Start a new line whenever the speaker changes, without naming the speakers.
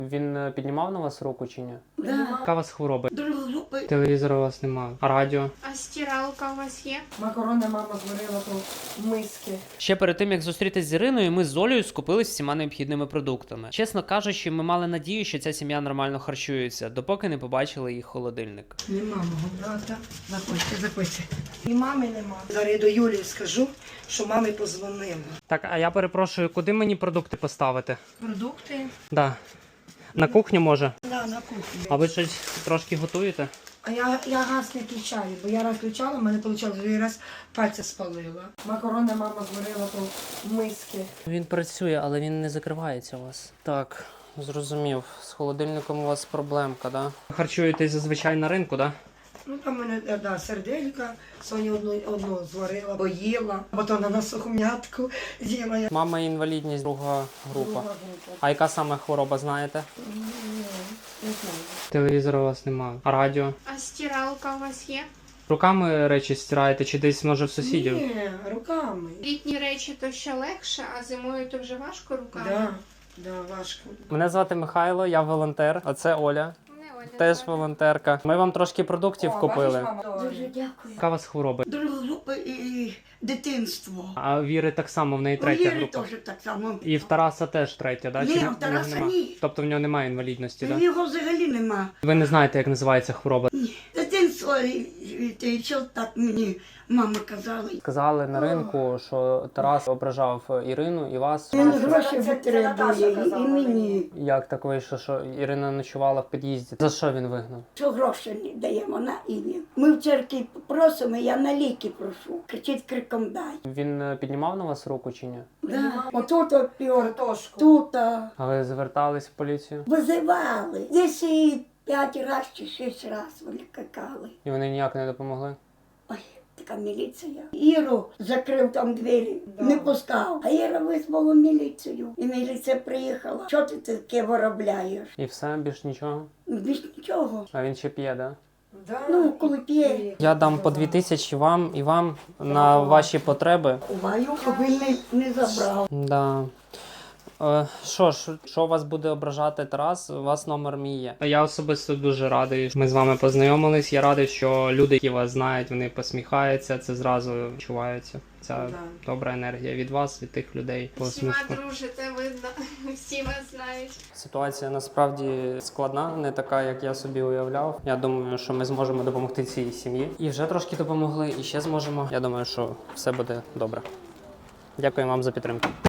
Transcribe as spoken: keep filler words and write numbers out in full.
Він е, піднімав на вас руку чи ні?
Да.
Яка у вас хвороба?
Дружопи.
Телевізора у вас немає. А радіо?
А стиралка у вас є?
Макарони мама зварила то в миски.
Ще перед тим, як зустрітись з Іриною, ми з Олею скупились всіма необхідними продуктами. Чесно кажучи, ми мали надію, що ця сім'я нормально харчується, допоки не побачили їх холодильник.
Нема мого брата. Заходьте, заходьте. І мами нема. Зараз я до Юлії скажу, що мамі позвонила.
Так, а я перепрошую, куди мені продукти поставити?
Продукти?
Да. На кухню може?
Да, на кухні.
А ви щось трошки готуєте?
А я, я газ не включаю, бо я раз включала, в мене вийшло, я раз пальця спалила. Макарони мама зварила то в миски.
Він працює, але він не закривається у вас. Так, зрозумів. З холодильником у вас проблемка, да? Харчуєтесь зазвичай на ринку, да?
Ну там в мене да, серделька, Соня одну, одну зварила, поїла, потім на сухом'ятку з'їла. Я.
Мама інвалідність, друга група.
Друга група.
А яка саме хвороба, знаєте?
Ні, не знаю.
Телевізора у вас немає. А радіо?
А стиралка у вас є?
Руками речі стираєте чи десь, може, в сусідів?
Ні, руками.
Літні речі то ще легше, а зимою то вже важко руками.
Да, да, важко.
Мене звати Михайло, я волонтер, а це Оля.
Не, Оля,
Теж
звати.
волонтерка. Ми вам трошки продуктів купили.
Дуже дякую.
Яка у вас хвороба?
Друга група і дитинство.
А Віри так само, в неї
У
третя
Іри
група.
теж так само.
І в Тараса теж третя, да?
Ні,
Чи
в
в нього
Тараса
нема?
ні.
Тобто в нього немає інвалідності, так? Да?
Його взагалі нема.
Ви не знаєте, як називається хвороба?
Ні. Дитинство, і, і, і що так мені мама казала.
Сказали на ринку, що Тарас ображав Ірину і вас.
Він гроші витребує і мені.
Як так вийшло, що Ірина ночувала в під'їзді? За що він вигнав?
Що гроші не даємо на ім'я. Ми в церкві просимо, я на ліки прошу. Кричить криком дай.
Він е, піднімав на вас руку чи ні?
Да. Отут опір, тут а,
А ви звертались в поліцію?
визивали. Десь і п'ять разів чи шість разів вони какали.
І вони ніяк не допомогли?
Ой, така міліція. Іру закрив там двері, не пускав. А Іра визвала міліцію. І міліція приїхала. Що ти таке виробляєш?
І все, більш нічого?
Більш нічого.
А він ще п'є, да?
Ну, коли п'є.
Я дам по дві тисячі вам і вам на ваші потреби.
Ховаю, щоб він не, не забрав.
Да. Е, Що ж, що вас буде ображати Тарас, у вас номер мій є. Я особисто дуже радий, що ми з вами познайомились. Я радий, що люди, які вас знають, вони посміхаються, це зразу відчувається. Ця
Да.
добра енергія від вас, від тих людей.
Всіма дружите, видно, всі вас знають.
Ситуація насправді складна, не така, як я собі уявляв. Я думаю, що ми зможемо допомогти цій сім'ї. І вже трошки допомогли, і ще зможемо. Я думаю, що все буде добре. Дякую вам за підтримку.